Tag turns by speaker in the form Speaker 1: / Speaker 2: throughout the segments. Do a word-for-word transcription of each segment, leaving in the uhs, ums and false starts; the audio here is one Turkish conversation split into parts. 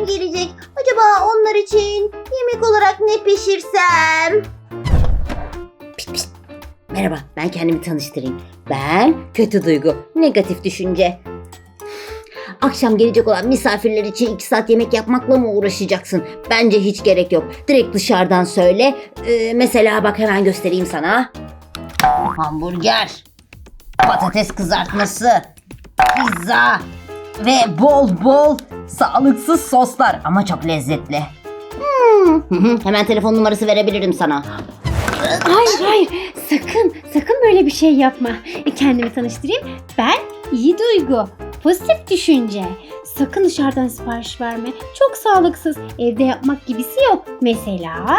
Speaker 1: gelecek. Acaba onlar için yemek olarak ne pişirsem? Pişt, pişt. Merhaba, ben kendimi tanıştırayım. Ben kötü duygu, negatif düşünce. Akşam gelecek olan misafirler için iki saat yemek yapmakla mı uğraşacaksın? Bence hiç gerek yok. Direkt dışarıdan söyle. Ee, mesela bak hemen göstereyim sana. Hamburger, patates kızartması, pizza ve bol bol sağlıksız soslar ama çok lezzetli. Hmm. Hemen telefon numarası verebilirim sana.
Speaker 2: Hayır hayır sakın sakın böyle bir şey yapma. E, kendimi tanıştırayım. Ben iyi duygu, pozitif düşünce. Sakın dışarıdan sipariş verme. Çok sağlıksız. Evde yapmak gibisi yok. Mesela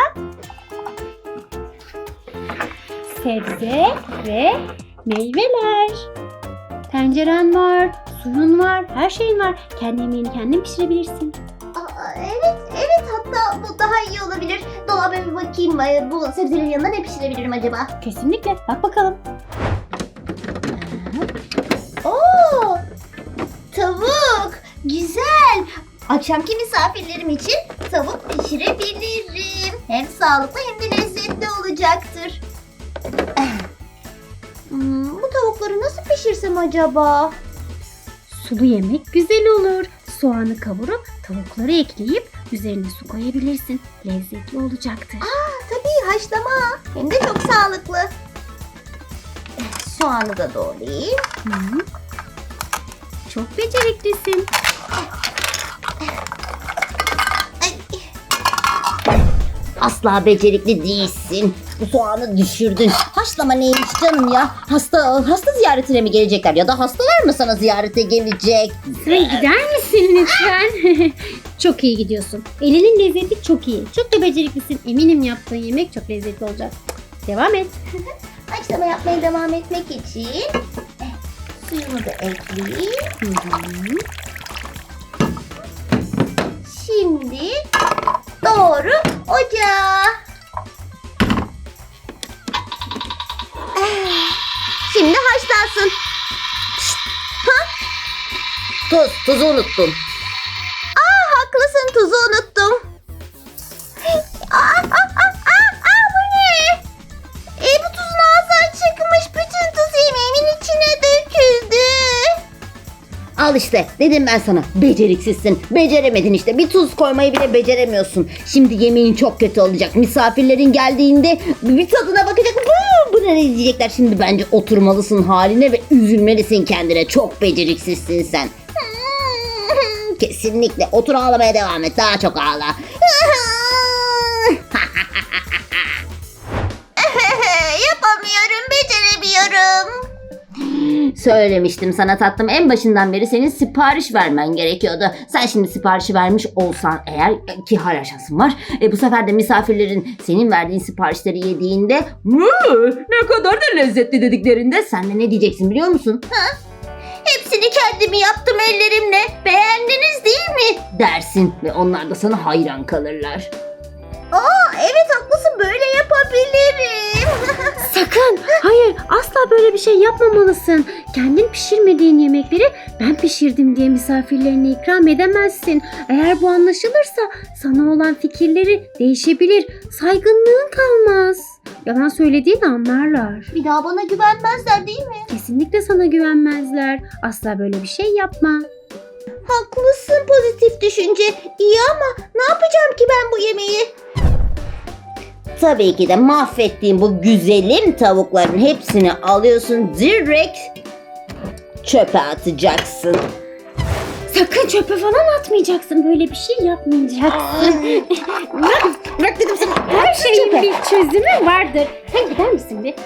Speaker 2: sebze ve meyveler. Tenceren var, suyun var, her şeyin var. Kendi yemeğini kendin pişirebilirsin.
Speaker 1: Aa, evet, evet hatta bu daha iyi olabilir. Dolaba bir bakayım. Ee, Bu sebzelerin yanında ne pişirebilirim acaba?
Speaker 2: Kesinlikle. Bak bakalım.
Speaker 1: Oo, tavuk. Güzel. Akşamki misafirlerim için tavuk pişirebilirim. Hem sağlıklı hem de lezzetli olacaktır. Hmm, bu tavukları nasıl pişirsem acaba?
Speaker 2: Sulu yemek güzel olur. Soğanı kavurup tavukları ekleyip üzerine su koyabilirsin. Lezzetli olacaktır.
Speaker 1: Aa, tabii haşlama. Hem de çok sağlıklı. Soğanı da doğrayayım.
Speaker 2: Hı. Çok beceriklisin.
Speaker 1: Ay. Asla becerikli değilsin. Bu soğanı düşürdün. Haşlama neymiş canım ya? Hasta hasta ziyaretine mi gelecekler ya da hastalar mı sana ziyarete gelecek?
Speaker 2: Sıraya gider misin lütfen? Çok iyi gidiyorsun. Elinin lezzeti çok iyi. Çok da beceriklisin. Eminim yaptığın yemek çok lezzetli olacak. Devam et.
Speaker 1: Haşlama yapmaya devam etmek için eh, suyumu da ekleyeyim.
Speaker 2: Hı hı.
Speaker 1: Şimdi doğru ocağa. Eh, Şimdi haşlansın. Şşt, ha? Tuz, tuzu unuttun. Aa, haklısın, tuzu unuttum. Aa, aa, aa, aa, aa, bu ne? E, bu tuzun ağzından çıkmış, bütün tuz yemeğimin içine döküldü. Al işte, dedim ben sana, beceriksizsin. Beceremedin işte, bir tuz koymayı bile beceremiyorsun. Şimdi yemeğin çok kötü olacak. Misafirlerin geldiğinde bir tadına bakacak. Bu, bu ne diyecekler? Şimdi bence oturmalısın haline ve üzülmelisin kendine. Çok beceriksizsin sen. Kesinlikle, otur ağlamaya devam et, daha çok ağla. Yapamıyorum, beceremiyorum. Söylemiştim sana tatlım, en başından beri senin sipariş vermen gerekiyordu. Sen şimdi siparişi vermiş olsan eğer, ki hala şansın var. E, bu sefer de misafirlerin senin verdiğin siparişleri yediğinde ne kadar da lezzetli dediklerinde sen de ne diyeceksin biliyor musun? Ha? Hepsini kendimi yaptım ellerimle. Beğendiniz değil mi? Dersin ve onlar da sana hayran kalırlar. Aa, evet haklısın, böyle yapabilirim.
Speaker 2: Sakın. Hayır, asla böyle bir şey yapmamalısın. Kendin pişirmediğin yemekleri ben pişirdim diye misafirlerine ikram edemezsin. Eğer bu anlaşılırsa sana olan fikirleri değişebilir. Saygınlığın kalmaz. Yalan söylediğini anlarlar.
Speaker 1: Bir daha bana güvenmezler değil mi?
Speaker 2: Kesinlikle sana güvenmezler. Asla böyle bir şey yapma.
Speaker 1: Haklısın, pozitif düşünce. İyi ama ne yapacağım ki ben bu yemeği? Tabii ki de mahvettiğim bu güzelim tavukların hepsini alıyorsun, direkt çöpe atacaksın.
Speaker 2: Sakın çöpe falan atmayacaksın. Böyle bir şey yapmayacaksın.
Speaker 1: Bırak, bırak dedim sana.
Speaker 2: Her şeyin bir çözümü vardır. Sen gider misin bir?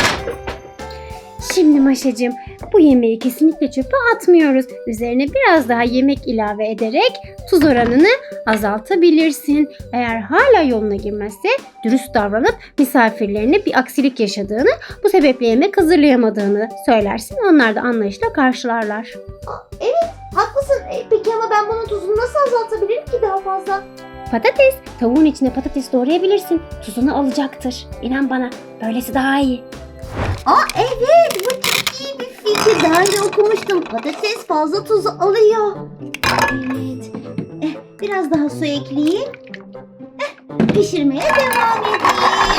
Speaker 2: Şimdi Maşacığım, bu yemeği kesinlikle çöpe atmıyoruz. Üzerine biraz daha yemek ilave ederek tuz oranını azaltabilirsin. Eğer hala yoluna girmezse dürüst davranıp misafirlerine bir aksilik yaşadığını, bu sebeple yemek hazırlayamadığını söylersin. Onlar da anlayışla karşılarlar.
Speaker 1: Evet, haklısın. E, peki ama ben bunun tuzunu nasıl azaltabilirim ki daha fazla?
Speaker 2: Patates, tavuğun içine patates doğrayabilirsin. Tuzunu alacaktır. İnan bana, böylesi daha iyi.
Speaker 1: Aa evet, bu çok iyi bir fikir. Daha önce okumuştum. Patates fazla tuzu alıyor. Evet. Eh, Biraz daha su ekleyeyim. Heh, pişirmeye devam edeyim.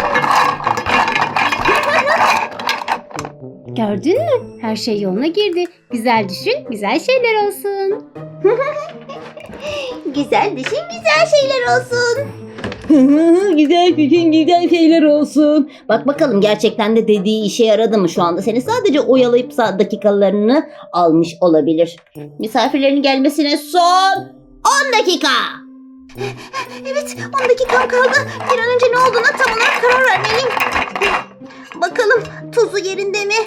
Speaker 2: Gördün mü? Her şey yoluna girdi. Güzel düşün, güzel şeyler olsun.
Speaker 1: Güzel düşün, güzel şeyler olsun.
Speaker 3: Güzel düşün, güzel şeyler olsun. Bak bakalım gerçekten de dediği işe yaradı mı şu anda? Seni sadece oyalayıp sa- dakikalarını almış olabilir. Misafirlerin gelmesine son on dakika.
Speaker 1: Evet, on dakikam kaldı. Bir an önce ne olduğuna tam olarak karar vermeliyim. Bakalım tuzu yerinde mi?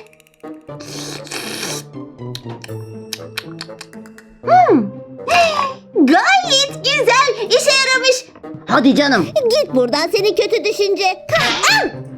Speaker 1: Hmm. Gayet güzel, işe yaramış.
Speaker 3: Hadi canım.
Speaker 1: Git buradan seni kötü düşünce. Ha, ah!